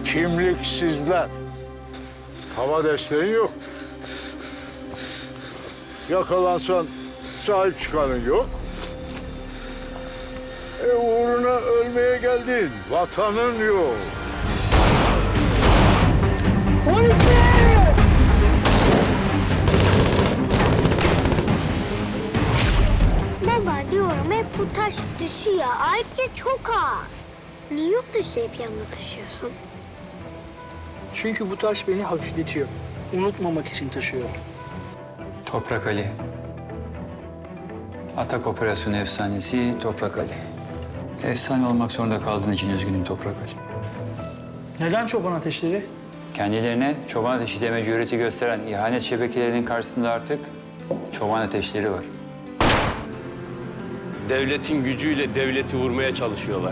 Kimliksizler. Hava desteği yok. Yakalansan sahip çıkanın yok. Uğruna ölmeye geldin. Vatanın yok. Baba diyorum hep bu taş düşüyor. Ayrıca çok ağır. Niye yurt dışı hep yanına taşıyorsun? Çünkü bu taş beni hafifletiyor. Unutmamak için taşıyorum. Toprak Ali. Atak Operasyonu efsanesi Toprak Ali. Efsane olmak zorunda kaldığın için üzgünüm Toprak Ali. Neden çoban ateşleri? Kendilerine çoban ateşi deme cüreti gösteren ihanet şebekelerinin karşısında artık çoban ateşleri var. Devletin gücüyle devleti vurmaya çalışıyorlar.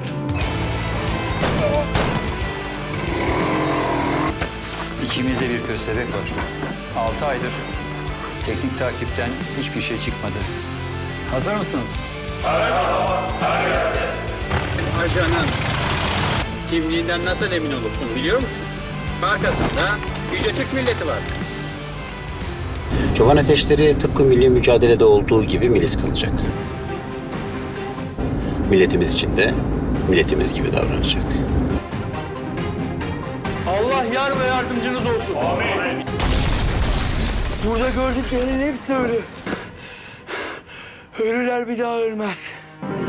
İkimizde bir köstebek var. 6 aydır teknik takipten hiçbir şey çıkmadı. Hazır mısınız? Ajanın kimliğinden nasıl emin olursun biliyor musun? Arkasında Yüce Türk milleti var. Çoban ateşleri tıpkı milli mücadelede olduğu gibi milis kalacak. Milletimiz için de milletimiz gibi davranacak. Allah yar ve yardımcınız olsun. Amin. Burada gördüklerinin hepsi ölü. Ölüler bir daha ölmez.